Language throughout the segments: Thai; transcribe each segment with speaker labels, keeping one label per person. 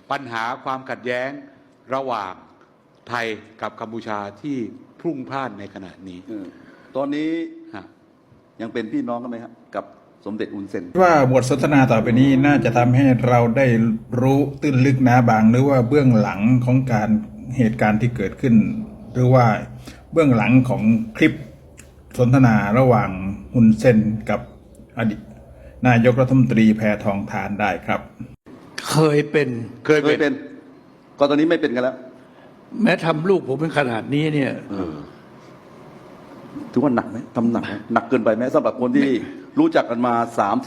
Speaker 1: ปัญหาความขัดแย้งระหว่างไทยกับกัมพูชาที่พรุ่งพล่านในขณะนี้
Speaker 2: ตอนนี้
Speaker 1: ฮะ
Speaker 2: ยังเป็นพี่น้องกันไหมครับกับสมเด็จอุนเซน
Speaker 3: ว่าบทสนทนาต่อไปนี้น่าจะทำให้เราได้รู้ตื้นลึกหนาบางหรือว่าเบื้องหลังของการเหตุการณ์ที่เกิดขึ้น หรือว่าเบื้องหลังของคลิปสนทนาระหว่างฮุนเซนกับอดีตนายกรัฐมนตรีแพทองธารได้ครับ
Speaker 4: เคยเป็น
Speaker 2: ก็ตอนนี้ไม่เป็นกันแล้ว
Speaker 4: แม้ทำลูกผมเป็นขนาดนี้เนี่ย
Speaker 2: ถือว่าหนักไหมทำหนักหนักเกินไปไหมสำหรับคนที่รู้จักกันมา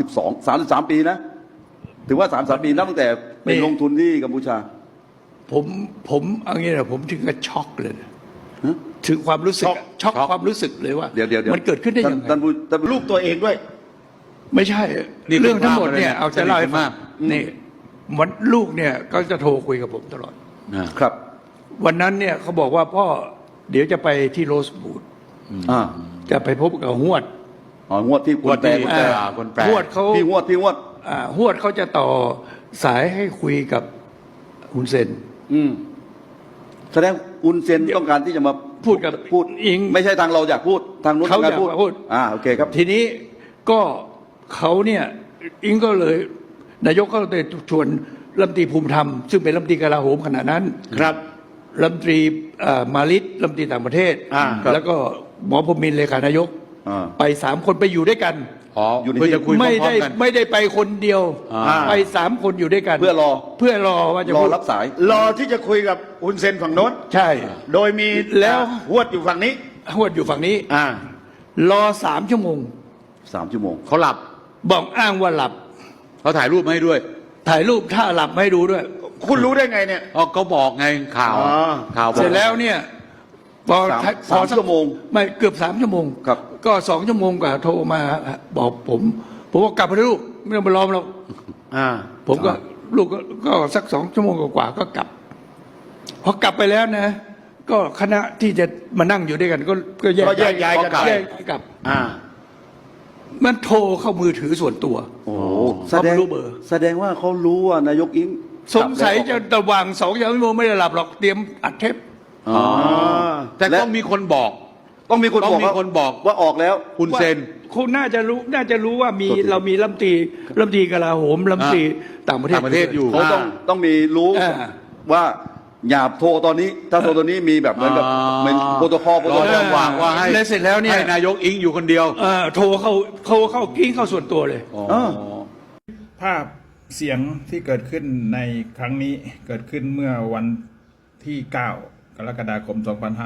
Speaker 2: 33 ปีนะถือว่า33 ปีนับตั้งแต่เป็นลงทุนที่กัมพูชา
Speaker 4: ผมเอางี้นะผมถึงกับช็อกเลยถึงความรู้สึกช็อกความรู้สึกเลยว่า
Speaker 2: เดี๋ยว
Speaker 4: มันเกิดขึ้นได้ยังไง
Speaker 5: ลูกตัวเองด้วย
Speaker 4: ไม่ใช่เรื่องทั้งหมดเนี่ยเอาจะเล่าให้ฟังนี่วันลูกเนี่ยก็จะโทรคุยกับผมตลอด
Speaker 2: ครับ
Speaker 4: วันนั้นเนี่ยเขาบอกว่าพ่อเดี๋ยวจะไปที่โรสบูดจะไปพบกับฮวด
Speaker 2: ฮวดที่คนแปล
Speaker 4: ฮวดเขา
Speaker 2: พี่ฮวด
Speaker 4: ฮวดเขาจะต่อสายให้คุยกับฮุนเซน
Speaker 2: แสดงอุนเซนต้องการที่จะมา
Speaker 4: พูด
Speaker 2: อิงไม่ใช่ทางเราอยากพูดทางนู้น
Speaker 4: เขาอยากพูด
Speaker 2: โอเคครับ
Speaker 4: ทีนี้ก็เขาเนี่ยอิงก็เลยนายกก็เลยชวนรัฐมนตรีภูมิธรรมซึ่งเป็นรัฐมนตรีกลาโหมขณะนั้น
Speaker 5: ครับ
Speaker 4: รัฐมนตรีมาลิตรัฐมนตรีต่างประเทศแล้วก็หมอพรหมินทร์เลขานายกไป3 คนไปอยู่ด้วยกัน
Speaker 1: เพื่อจะคุย
Speaker 4: ไม่ได้ไปคนเดียวไป3 คนอยู่ด้วยกัน
Speaker 2: เพื่อ
Speaker 4: รอว่าจะ
Speaker 2: รอรับสาย
Speaker 5: รอที่จะคุยกับอุนเซนฝั่งโน้น
Speaker 4: ใช่
Speaker 5: โดยมี
Speaker 4: แล้ว
Speaker 5: ฮวดอยู่ฝั่งนี้
Speaker 4: ฮวดอยู่ฝั่งนี้รอ3 ชั่วโมง
Speaker 1: เขาหลับ
Speaker 4: บอกอ้างว่าหลับ
Speaker 1: เขาถ่ายรูปมาให้ด้วย
Speaker 4: ถ่ายรูปถ้าหลับไม่ดูด้วย
Speaker 5: คุณรู้ได้ไงเนี่ย
Speaker 1: ก็บอกไงข่าว
Speaker 4: เสร็จแล้วเนี่ยพอ
Speaker 2: 3 ชั่วโมง
Speaker 4: ไม่เกือบ3 ชั่วโมง
Speaker 2: ครับ
Speaker 4: ก็2 ชั่วโมงกว่าโทรมาบอกผมว่ากลับไปลูกไม่ต้องไปรอเราผมก็ลูกก็สัก2 ชั่วโมงกว่าก็กลับพอกลับไปแล้วนะก็คณะที่จะมานั่งอยู่ด้วยกันก็แยกย้ายกันกลับมันโทรเข้ามือถือส่วนตัว
Speaker 2: แสดงว่าเขารู้ว่านายกอิง
Speaker 4: สงสัยจะระหว่าง2 ชั่วโมงไม่ได้หลับหรอกเตรียมอัดเทป
Speaker 1: แต่ต้องมีคนบอก
Speaker 2: ว่าออกแล้ว
Speaker 4: คุณเซนคุณน่าจะรู้ว่าเรามีรัฐมนตรีกลาโหมรัฐมนตรีต่างประเทศ
Speaker 1: อยู่
Speaker 2: เขาต้องมีรู้ว่าอย่าโทรตอนนี้ถ้าโทรตอนนี้มีแบบเหมือนกับเป็นโปรโตคอล
Speaker 1: ว่าให้
Speaker 4: เสร็จแล้วเนี่ย
Speaker 1: ให้นายกอิงอยู่คนเดียว
Speaker 4: โทรเข้ากิ้งเข้าส่วนตัวเลย
Speaker 3: ภาพเสียงที่เกิดขึ้นในครั้งนี้เกิดขึ้นเมื่อวันที่9 กรกฎาคม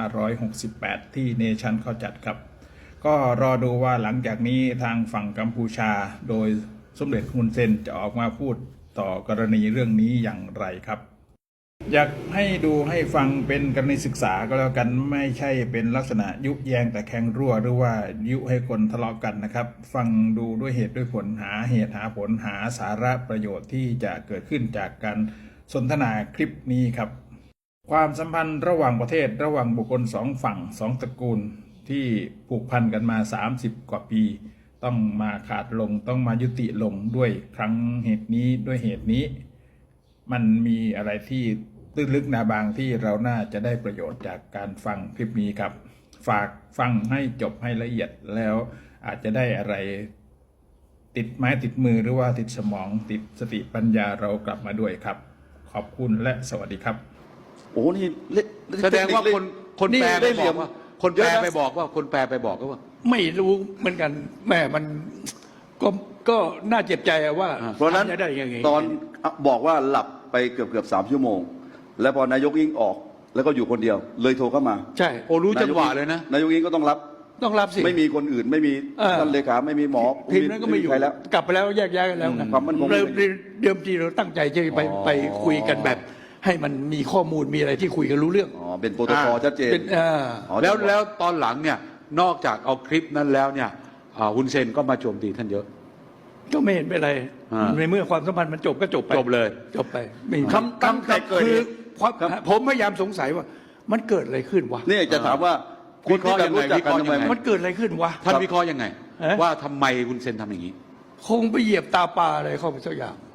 Speaker 3: 2568 ที่เนชั่นเขาจัดครับก็รอดูว่าหลังจากนี้ทางฝั่งกัมพูชาโดยสมเด็จฮุนเซนจะออกมาพูดต่อกรณีเรื่องนี้อย่างไรครับอยากให้ดูให้ฟังเป็นกรณีศึกษาก็แล้วกันไม่ใช่เป็นลักษณะยุแยงแต่แข่งรั่วหรือว่ายุให้คนทะเลาะกันนะครับฟังดูด้วยเหตุด้วยผลหาเหตุหาผลหาสาระประโยชน์ที่จะเกิดขึ้นจากการสนทนาคลิปนี้ครับความสัมพันธ์ระหว่างประเทศระหว่างบุคคล2 ฝั่ง2 ตระกูลที่ผูกพันกันมา30 กว่าปีต้องมาขาดลงต้องมายุติลงด้วยครั้งเหตุนี้ด้วยเหตุนี้มันมีอะไรที่ตื้นลึกหนาบางที่เราน่าจะได้ประโยชน์จากการฟังคลิปนี้ครับฝากฟังให้จบให้ละเอียดแล้วอาจจะได้อะไรติดไม้ติดมือหรือว่าติดสมองติดสติปัญญาเรากลับมาด้วยครับขอบคุณและสวัสดีครับ
Speaker 2: โอ้นี่
Speaker 1: แสดงว่าคนแปลไปบอกว่าคนแปลไปบอกว่า
Speaker 4: ไม่รู้เหมือนกันแม่มันก็น่าเจ็บใจว่า
Speaker 2: เพราะนั้นตอนบอกว่าหลับไปเกือบ3 ชั่วโมงแล้วพอนายกอิงออกแล้วก็อยู่คนเดียวเลยโทรเข้ามา
Speaker 4: ใช่
Speaker 1: รู้จังหวะเลยนะ
Speaker 2: นายกอิงก็ต้องรับ
Speaker 4: สิ
Speaker 2: ไม่มีคนอื่นไม่มีท่านเลขาไม่มีหมอ
Speaker 4: ทีมนั้นก็ไม่อยู่แล้วกลับไปแล้วแยกย้ายกันแล้วนะเดิมทีเราตั้งใจจะไปคุยกันแบบให้มันมีข้อมูลมีอะไรที่คุยกันรู้เรื่อง
Speaker 2: เป็นโปรโตคอลชัดเจน
Speaker 1: แล้วตอนหลังเนี่ยนอกจากเอาคลิปนั้นแล้วเนี่ยฮุนเซนก็มาโจมตีท่านเยอะ
Speaker 4: ก็ไม่เห็นเป็นไรในเมื่อความสัมพันธ์มันจบก็จบไปจบไป
Speaker 5: คำ
Speaker 4: คือผมพยายามสงสัยว่ามันเกิดอะไรขึ้นวะ
Speaker 2: นี่จะถามว่า
Speaker 1: คุณที่รู้จักกันทำไม
Speaker 4: มันเกิดอะไรขึ้นวะ
Speaker 1: ท่านวิเคราะห์ยังไงว่าทำไมฮุนเซนทำอย่างนี้
Speaker 4: คงไปเหยียบตาปลาอะไรเข้าไปสักอย่าง